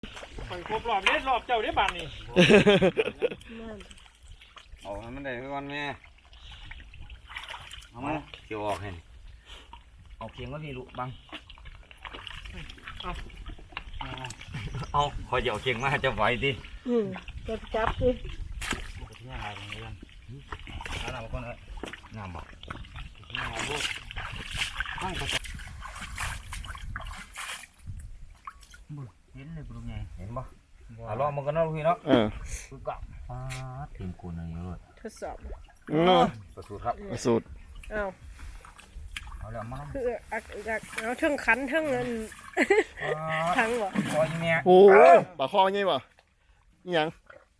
ข่อยครบรอบเด้รอบเจ้าได้บานนี่เอาให้มันได้ก่อนแม่เอามาเกี่ยวออกให้เอาเพียงก็พี่ลูกบังเอาคอยเดี๋ยวเคียงมาจะไหวดิจะจับดินี่อะไรตรงนี้กันน้ำก่อนเลยน้ำบ่น้ำลูกตั้งกระจกเห็นเลยปรุงไงเห็นบ่เอาลองมันกันเนาะพี่เนาะคือกับทีมกูนี่เลยทดสอบประสูตรครับประสูตรเอาแล้วมาคือเอาทั้งขันทั้งเงินทั้งบ่คอยแม่โอ้ปลาคอไงบ่นี่ยัง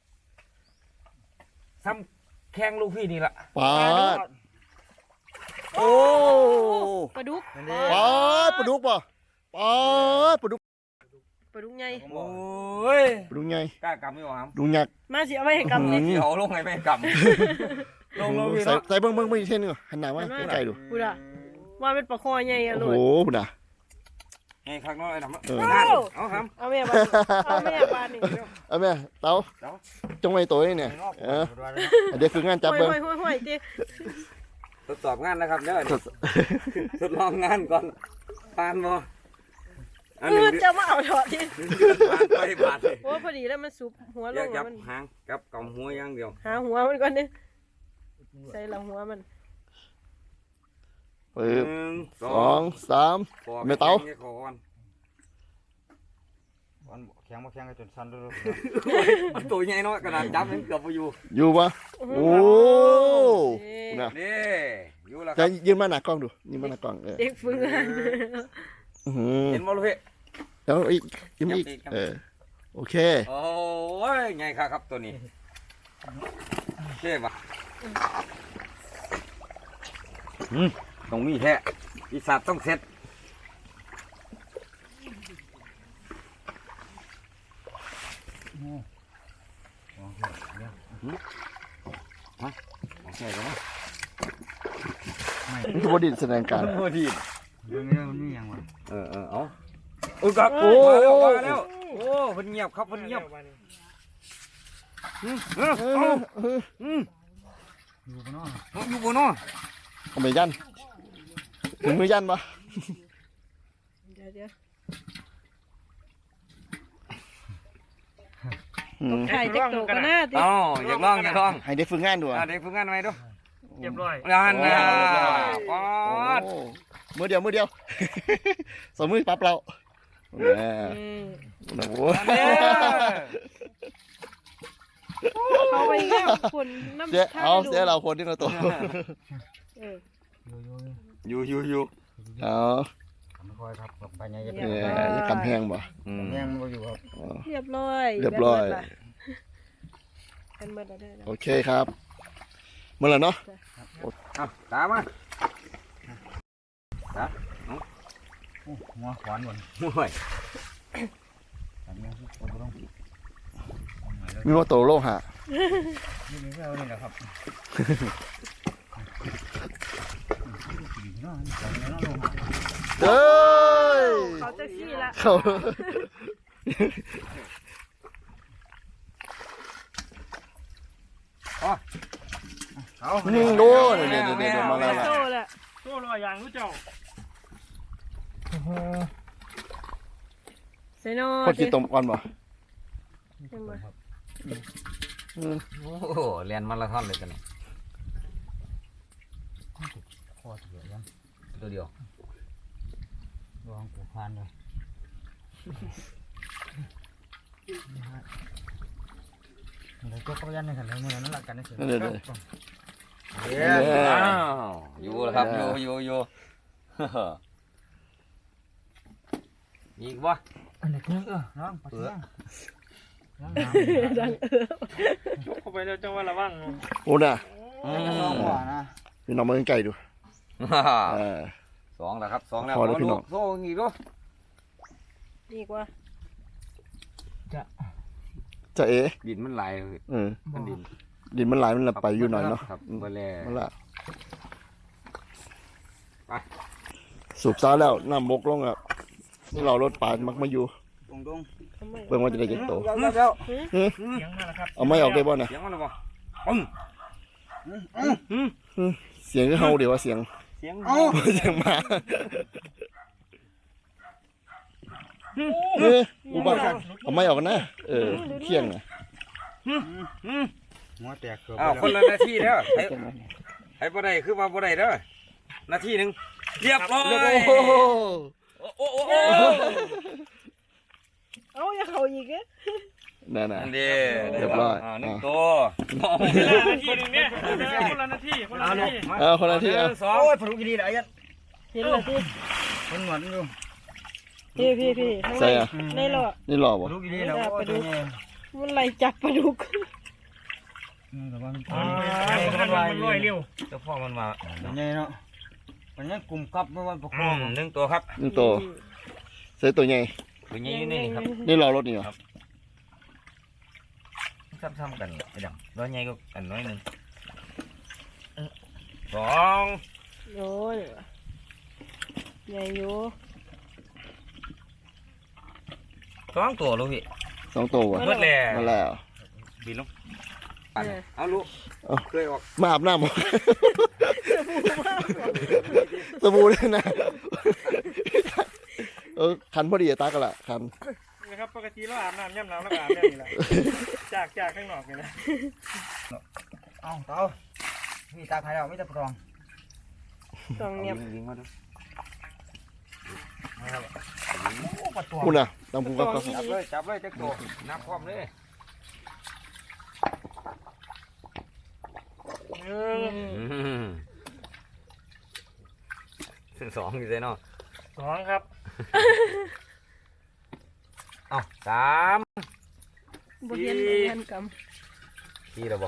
ซ้ำแข้งลูกพี่นี่ละปลาโอ้ปลาดุกปลาปลาดุกป่ะปลาปลาดุกปลาดุกใหญ่โอ้ยปลาดุกใหญ่กล้ากำไม่หวานดุกหยักมาสิเอาไปให้กำเลยเอาลงไงไม่กำลงใส่เบิ้งอีกเส้นนึงหันหน้ามาใกล้ดูพูดอะว่าเป็นปลาคอใหญ่อะลูกโอ้พูดอะไงข้างนอกไอ้ทำเอาทำเอาแม่บ้านเอาแม่บ้านนี่เอาแม่เต้าจงไว้ตัวนี่เนี่ยเดี๋ยวคืองานจับเบิ้งทดสอบงานนะครับเด้อทดลองงานก่อนปานบ่จะมาเอาถอดที่ปานไปบาดเลยโอ้พอดีแล้วมันสุบหัวลงมันหางกับกำหัวอย่างเดียวหาหัวมันก่อนดิใส่หลังหัวมัน 1 2 3ไม่เต้าแข็งมาแข็งจนสั่นเลยตัวใหญ่น้อยกระดานจับมันเกือบไปอยู่ปะโอ้นี่อยู่แล้วจะยืนมาหน้ากล้องดูยืนมาหน้ากล้องเด็กฝึกงานเห็นมั้ยลูกพี่แล้วอีกยิ้มอีกโอเคโอ้ยไงครับตัวนี้เท่ปะตรงนี้แท้ปีศาจต้องเสร็จนี่คือบดินแสดงการบดินเรื่องนี้มันนี่ยังวะเอากับโอ้มาแล้วโอ้เพิ่นเงียบครับเพิ่นเงียบอยู่บนน้อเอาไปยันถึงมือยันปะเดี๋ยวใครจะโตกันหน้าดิอยากลองให้ได้ฝึกงานดูได้ฝึกงานไหมดูเรียบร้อยงานนะป๊อดมือเดียวสองมือปั๊บเราโอ้โหเขาไปเยี่ยมคนน้ำเอาเสียเราคนที่เราโตอยู่เอาไม่ค่อยครับไปไงจะกำแพงบ่แพงบ่อยู่ครับเรียบร้อยเป็นเมื่อไรโอเคครับเมื่อไรเนาะตามมาหัวขวานหมดห่วยมีว่าโตโลหะนี่แค่นี้แหละครับเฮ้ยเขาจะขี้ละเขาโดนเดี๋ยวมาแล้วโซ่ลอยอย่างรู้เจ้าเซโน่คนกินต้มก่อนบ่โอ้เรียนมาราธอนเลยกันเนี่ยตัวเดียวลองปูพานเลยเดี๋ยวก็ยันในขันเลยเนี่ยนั่นหลักกันนี่สิอยู่แล้วครับอยู่อีกวะอันนี้ก็น้องเปื่อยยกเข้าไปแล้วจังว่าระวังโอ้น่ะพี่น้องมาไกลดู 2แล้วครับ2แล้วพี่น้องโซ่อีกด้วยดีกว่าจะดินมันไหลมันดินมันไหลมันไปอยู่หน่อยเนาะมันละสูบซ้าแล้วน้ำมกลงอ่ะนี่เรารถปานมักมาอยู่ตรงทำไมเบิ่งว่าจะได้จักโตเดี๋ยวเสียงมาแล้วครับเอาไม้ออกได้บ่น่ะเสียงมันหรอบ่เสียงคือเฮาเดี๋ยวว่าเสียงเสียงเสียงหมาอุบัติเอาไม้ออกกันนะเที่ยงน่ะหัวแตกอ้าวคนละนาทีเด้อให้บ่ได้คือว่าบ่ได้เด้อนาทีนึงเรียบร้อยโอ้โหโอ้โอ้เอาอย่าเขาอีกเอ๊ะนั่นน่ะอันเด้เรียบร้อยหนึ่งตัวเวลานาทีนึงเนี่ยคนละนาทีคนละนาทีเอาคนละที่เอาสองโอ้ยพลุกดีๆได้ยัดเห็นเหรอพี่มันหมดอยู่พี่ข้างในในหรอนี่หล่อบ่พลุกดีๆแล้วโอ้ยตัวใหญ่มันไล่จับปลาดุกแต่ว่ามันมันลอยเร็วเจ้าพ่อมันมาใหญ่เนาะมันยังกลุ่มกับไม่ว่าประคองหนึ่งตัวครับนี่โตใส่ตัวใหญ่ตัวใหญ่อยู่นี่ครับนี่รอรถนี่เหรอซ้ำๆกันไอ้ดำร้อยใหญ่ก็อันน้อยหนึ่งสองโอ้ยใหญ่อยู่สองตัวลูกพี่ 2ตัววะเบิดแล้วมาแล้วบินลงเอาลูกเคยออกมาอาบน้ำบ่สบู่เลยนะคันพอดีอะตากันละคันนะครับปกติเราอาบน้ำย่ำน้ำแล้วอาบแน่นี่แหละจากข้างนอกเลยนะเอาเต้ามีตาใครแล้วไม่ตาปลองต้องเงียบยิงมาดูคุณน่ะตามภูกับจับเลยจับเลยจักโตนับพร้อมเลย ซึ่งสองอยู่เลยเนาะ 2ครับเอาสามบ่เห็นทันกสี่แล้วบ่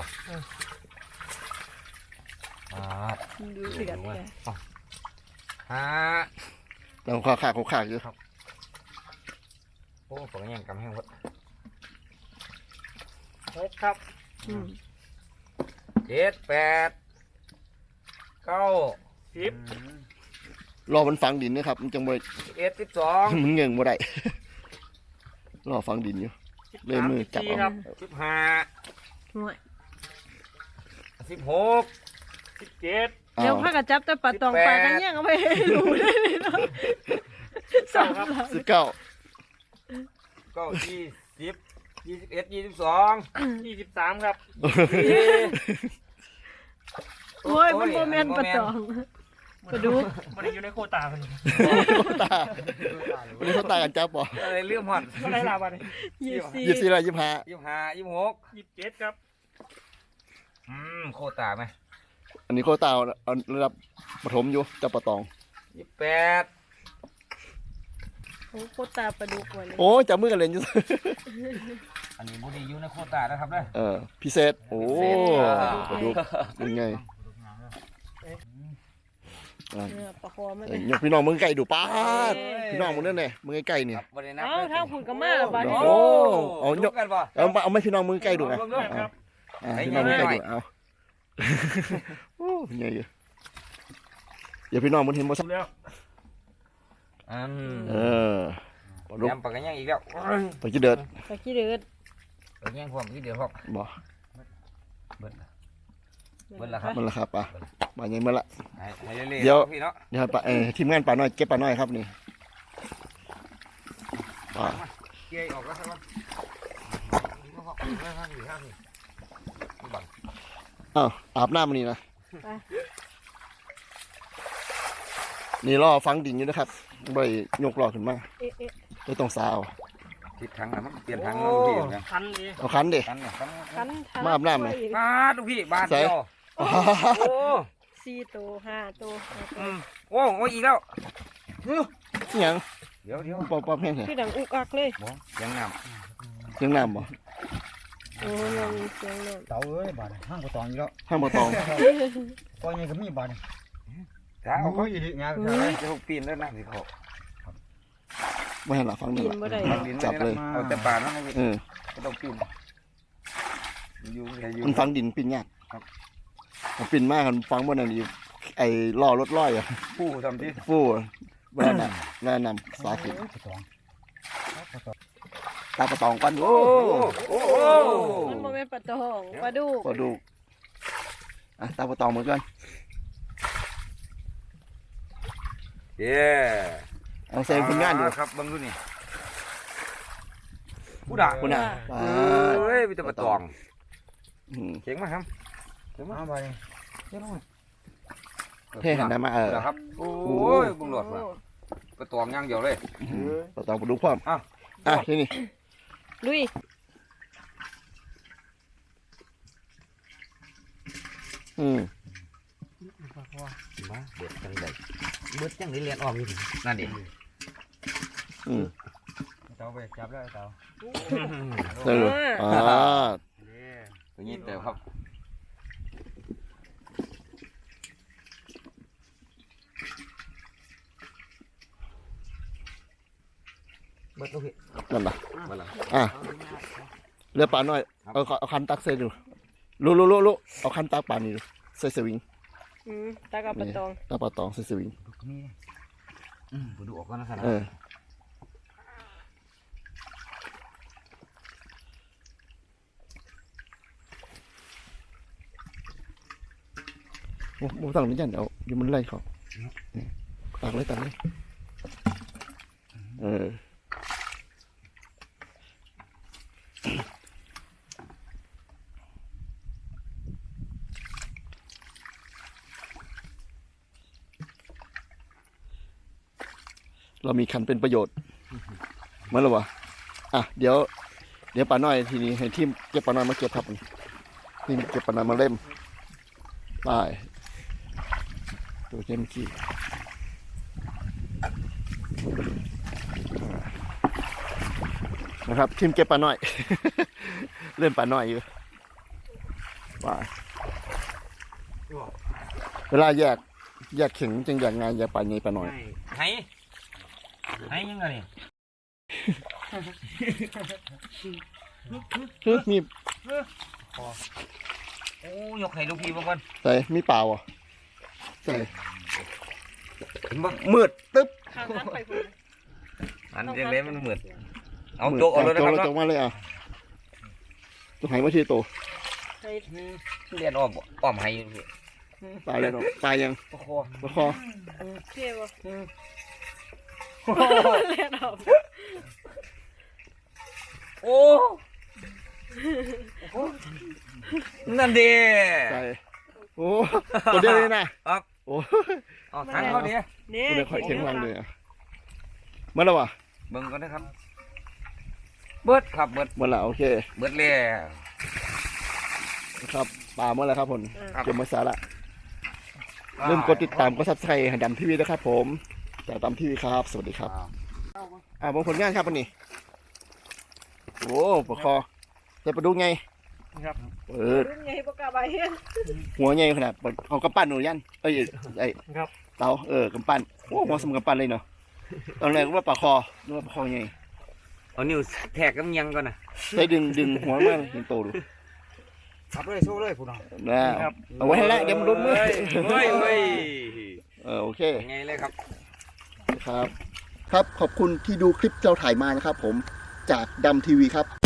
ำดูเดือดเลยห้าตามขาดอยู่โอ้ผมยังกำแห้งหมด 6ครับเจ็ดแปดเก้า 10 รอมันฝังดินนะครับมันจังบ่ 11 12 มันเงิงบ่ได้รอฝังดินอยู่เลยมือจับ 14คเอารับ 15 ห่วย 16 17 เดี๋ยวพากันจับแต่ปลาตองปลากันแย่งเอาไปให้รู้ได้เลยเนาะสามหลัง 19 เก้า20 21 22 23ครับโอ้ยมันโมเมนปลาตองปลาดุกมันอยู่ในโคตาคนนี้ตาวันนี้เขาตากันจับบ่อะไรเรื่องหอดเท่าไหรล่ะบัดนี้ 24 24ละ25 25 26 27ครับโคตรไหมอันนี้เขาตาเอาระดับปฐมอยู่จับปะตอง 28 โอ้โคตาปลาดุกวันนี้โอ้ยจับมือกันเล่นอยู่อันนี้บุรีอยู่ในโคตรนะครับเด้อพิเศษโอ้ปลาดุกยังไงปลาคอมันยกพี่น้องมึงไก่ดูป้าดพี่น้องมึงนั่นแน่มึงไก่นี่ครับบ่ได้นับเอ้าทางผุนก็มาแล้วบาดนี้โอ้เอายกกันบ่เอาไม่พี่น้องมึงไก่ดูไงครับพี่น้องมึงไก่ดูเอาโอ้ยังไงอย่าพี่น้องมึงเห็นบ่ซักแล้วปลาดุกยำปากกันยังอีกแล้วไปกี่เดือดปลาขี้เดือดปากยังความที่เดียวครับบ่เบิดละครับมันละครับป่ะมายังเมื่อละให้เรื่อยเดี๋ยวๆพี่เนาะเดี๋ยวปลาทีมงานปลาน้อยเก็บปลาน้อยครับนี่ปลาเกี่ยออกแล้วครับบังอ้าวอาบน้ำมันนี่นะนี่รอฟังดิ่งอยู่นะครับใบยกรอขึ้นมาเอ๊ะไม่ต้องสาวทิศทางนะมันเปลี่ยนทางแล้วลูกพี่นะคันนี้เอาคันเด็กันเนี่ยกันคันมาอาบน้ำไหมบาทลูกพี่บาทเดียวโอ้ 4ตัว5ตัวโอ้โอ้อีกแล้วยังเดี๋ยวปอบแห้งเหรอคือดังอุกอักเลยยังน้เสียงน้ำบ่โอ้ยยังเสียงน้เต่าเอ้ยบาดห้างก็ตองอยู่แล้วห้ามบ่ตองก็ยังก็มีบาดำถ้าเอาเขาอีกงานจะหกปีนแล้วน้ำสิเขาไม่ให้หลับฟังำนี่กิหนรอบ่ได้จับเลยเอาแต่ป่านั่นเลยเออก็ต้องปีนอยู่อยู่มันฟังดินปิ่นยากมันปิ่นมากมันฟังบนนั้นดีไอ้ล่อรถร้อยอ่ะผู้ทำที่ฟู่แว่นำสาธิตก็ตองตาปลาตองก่อนโอ้มันบ่แม่นปลาตองปลาดุกปลาดุกอ่ะตาปลาตองเหมือนกันเย้เอาเซนคุณงานดูครับเบิ่งดูนี่ผู้ด่าคุณอ่ะปลาเฮ้ยมีแต่ปลาตองอืมเก่งมากครับเก่งมากมาบาดนี่เก่งมากเท่หันได้มาครับโอ้ยบุ้งหลอดว่ะปลาตองย่างเดียวเลยปลาตองปลาดุกพร้อมอ่ะอ่ะที่นี่ลุยอืมมาเบิดจังไดเบิดจังไดเรียนออกอยู่นั่นดิอืมเตาไปจับแล้วเตาเอออ่าตัวนี้เติมครับเบิดโอเคนั่นล่ะมาละอ่ะเรือปลาหน่อยเอาคันตักใส่ดูลุเอาคันตักปลานี่ดูใส่สวิงตากับปลาตองตักปลาตองใส่สวิงนี่ผมดูออกก่อนนะครับเออโอ้โหตั้งนี่ยันเอาเดี๋ยวมันไล่เขานี่ตักเลยเออเรามีคันเป็นประโยชน์เหมื่อนหรอวะอ่ะเดี๋ยวปลาน้อยทีนี้ให้ทีมเก็บปลาน้อยมาเก็บครับทีมเก็บปลาน้อยมาเล่มไปตัวเจมกี้นะครับทีมเก็บปลาน้อย เล่นปลาน้อยอยู่ไปเวลาแยกเข่งจึงแยกงานแยกปลาใหญ่ปลาน้อยให้ยังไงนี่มีโอ้ยกให้ลูกพี่บ้างก่อนใส่มีเปล่าอ่ะใส่เห็นบ่มืดตึ๊บข้างนั้นไปพุ่นอันยังไงมันเหมือนเอาโจ๊กเอาเลยนะครับโจ๊กมาเลยอ่ะตัวไหมาทีโตให้เรียนอ้อมให้อยู่พี่ตายเลยเนาะตายยังโอ้โหประคอเท่บ่เล่นเอาโอ้นั่นดิใส่โอ้ตัวเดียวเลยนะออกโอ้ออกทางเขาดินี่ตัวเดียวข่อยเข็งรังเลยอ่ะเมื่อไรวะเบิ่งก่อนนะครับเบิดครับเบิดเมื่อไรโอเคเบิดแล้วครับปลาเมื่อไรครับผมครับเก็บมาสาระเริ่มกดติดตามก็ซับสไครต์หันดำทีวีนะครับผมแต่ดำทีวีครับ สวัสดีครับบางผลงานครับวันนี้โอ้ประคอจะไปดูไงครับรุ่นใหญ่ปากกาใบเฮ็ดหัวใหญ่ขนาดเอากำปั้นหนูยันเอ้ยไอ้ครับเตากำปั้นโอ้หัวสมกำปั้นเลยเนาะตอนแรกว่าปลาคอนึกว่าปลาคอใหญ่เอานิ้วแทกกับยังก่อนนะใช้ดึงหัวมาเห็นโตดูจับเลยโซ่เลยผู้น้องแล้วเอาไว้ให้ละเดี๋ยวมันรุดมือเฮ้ยโอเคยังไงเลยครับครับ ครับขอบคุณที่ดูคลิปเราถ่ายมานะครับผมจากดำทีวีครับ